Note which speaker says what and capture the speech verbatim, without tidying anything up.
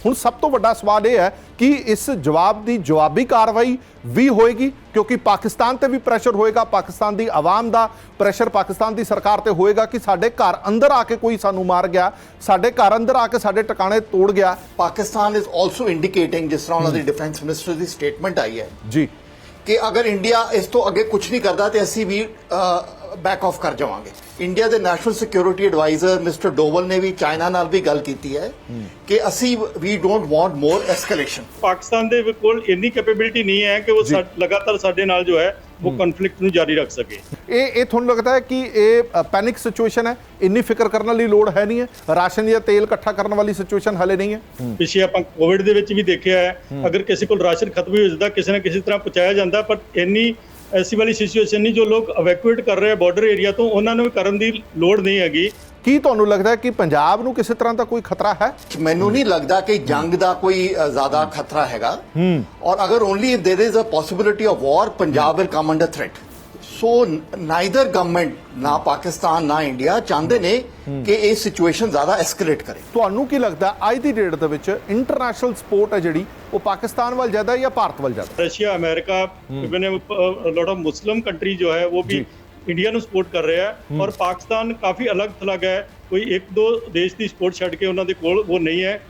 Speaker 1: ਹੁਣ ਸਭ ਤੋਂ ਵੱਡਾ ਸਵਾਲ ਇਹ ਹੈ ਕਿ ਇਸ ਜਵਾਬ ਦੀ ਜਵਾਬੀ ਕਾਰਵਾਈ ਵੀ ਹੋਏਗੀ, ਕਿਉਂਕਿ ਪਾਕਿਸਤਾਨ ਤੇ ਵੀ ਪ੍ਰੈਸ਼ਰ ਹੋਏਗਾ, ਪਾਕਿਸਤਾਨ ਦੀ ਆਵਾਮ ਦਾ ਪ੍ਰੈਸ਼ਰ ਪਾਕਿਸਤਾਨ ਦੀ ਸਰਕਾਰ ਤੇ ਹੋਏਗਾ ਕਿ ਸਾਡੇ ਘਰ ਅੰਦਰ ਆ ਕੇ ਕੋਈ ਸਾਨੂੰ ਮਾਰ ਗਿਆ, ਸਾਡੇ ਘਰ ਅੰਦਰ ਆ ਕੇ ਸਾਡੇ ਟਿਕਾਣੇ ਤੋੜ ਗਿਆ।
Speaker 2: ਪਾਕਿਸਤਾਨ ਇਜ਼ ਆਲਸੋ ਇੰਡੀਕੇਟਿੰਗ, ਜਿਸ ਤਰ੍ਹਾਂ ਉਹਨਾਂ ਦੀ ਡਿਫੈਂਸ ਮਿਨਿਸਟਰ ਦੀ ਸਟੇਟਮੈਂਟ ਆਈ ਹੈ
Speaker 1: ਜੀ
Speaker 2: ਕਿ ਅਗਰ ਇੰਡੀਆ ਇਸ ਤੋਂ ਅੱਗੇ ਕੁਝ ਨਹੀਂ ਕਰਦਾ ਤੇ ਅਸੀਂ ਵੀ ਬੈਕ ਆਫ ਕਰ ਜਾਵਾਂਗੇ। ਇੰਡੀਆ ਦੇ national security adviser mister Doval ਨੇ ਵੀ ਚਾਈਨਾ ਨਾਲ ਵੀ ਗੱਲ ਕੀਤੀ ਹੈ ਕਿ ਅਸੀਂ ਵੀ don't want more escalation.
Speaker 3: Pakistan ਦੇ ਕੋਲ ਇੰਨੀ ਕੈਪੇਬਿਲਿਟੀ ਨਹੀਂ ਹੈ ਕਿ ਉਹ ਲਗਾਤਾਰ ਸਾਡੇ ਨਾਲ ਜੋ ਹੈ ਉਹ ਕਨਫਲਿਕਟ ਨੂੰ ਜਾਰੀ ਰੱਖ ਸਕੇ।
Speaker 1: ਇਹ ਇਹ ਤੁਹਾਨੂੰ ਲੱਗਦਾ ਹੈ ਕਿ ਇਹ ਪੈਨਿਕ ਸਿਚੁਏਸ਼ਨ ਹੈ, ਇੰਨੀ ਫਿਕਰ ਕਰਨ ਵਾਲੀ ਲੋੜ ਹੈ ਨਹੀਂ ਹੈ, ਰਾਸ਼ਨ ਜਾਂ ਤੇਲ ਇਕੱਠਾ ਕਰਨ ਵਾਲੀ ਸਿਚੁਏਸ਼ਨ ਹਲੇ ਨਹੀਂ ਹੈ?
Speaker 3: ਪਿੱਛੇ ਆਪਾਂ ਕੋਵਿਡ ਦੇ ਵਿੱਚ ਵੀ ਦੇਖਿਆ ਹੈ, ਅਗਰ ਕਿਸੇ ਕੋਲ ਰਾਸ਼ਨ ਖਤਮ ਹੋ ਜਾਂਦਾ ਕਿਸੇ ਨਾ ਕਿਸੇ ਤਰ੍ਹਾਂ ਪਹੁੰਚਾਇਆ ਜਾਂਦਾ, ਪਰ ਇੰਨੀ ਐਸੀ ਵਾਲੀ ਸਿਚੁਏਸ਼ਨ ਨਹੀਂ। ਜੋ ਲੋਕ ਇਵੈਕੂਏਟ ਕਰ ਰਹੇ ਆ ਬਾਰਡਰ ਏਰੀਆ ਤੋਂ, ਉਹਨਾਂ ਨੂੰ ਵੀ ਕਰਨ ਦੀ ਲੋੜ ਨਹੀਂ ਹੈਗੀ।
Speaker 1: ਕੀ ਤੁਹਾਨੂੰ ਲੱਗਦਾ ਹੈ ਕਿ ਪੰਜਾਬ ਨੂੰ ਕਿਸੇ ਤਰ੍ਹਾਂ ਦਾ ਕੋਈ ਖਤਰਾ ਹੈ?
Speaker 2: ਮੈਨੂੰ ਨਹੀਂ ਲੱਗਦਾ ਕਿ ਜੰਗ ਦਾ ਕੋਈ ਜ਼ਿਆਦਾ ਖਤਰਾ ਹੈਗਾ, ਔਰ ਅਗਰ only there is a possibility of war, Punjab will come under threat. So neither government, ना पाकिस्तान ना इंडिया चाहते ने कि ये सिचुएशन ज्यादा एस्केलेट करे।
Speaker 1: ਤੁਹਾਨੂੰ ਕੀ ਲੱਗਦਾ ਅੱਜ ਦੀ ਡੇਟ ਦੇ ਵਿੱਚ ਇੰਟਰਨੈਸ਼ਨਲ ਸਪੋਰਟ ਹੈ ਜਿਹੜੀ ਉਹ ਪਾਕਿस्तान ਵੱਲ ਜ਼ਿਆਦਾ ਜਾਂ ਭਾਰਤ ਵੱਲ ਜ਼ਿਆਦਾ?
Speaker 3: Russia, America, even lot of Muslim country जो है वो भी इंडिया ਨੂੰ ਸਪੋਰਟ ਕਰ ਰਿਹਾ ਹੈ, ਔਰ ਪਾਕਿस्तान ਕਾਫੀ ਅਲੱਗ ਥਲੱਗ ਹੈ। ਕੋਈ ਇੱਕ ਦੋ ਦੇਸ਼ ਦੀ ਸਪੋਰਟ ਛੱਡ ਕੇ ਉਹਨਾਂ ਦੇ ਕੋਲ ਉਹ ਨਹੀਂ ਹੈ।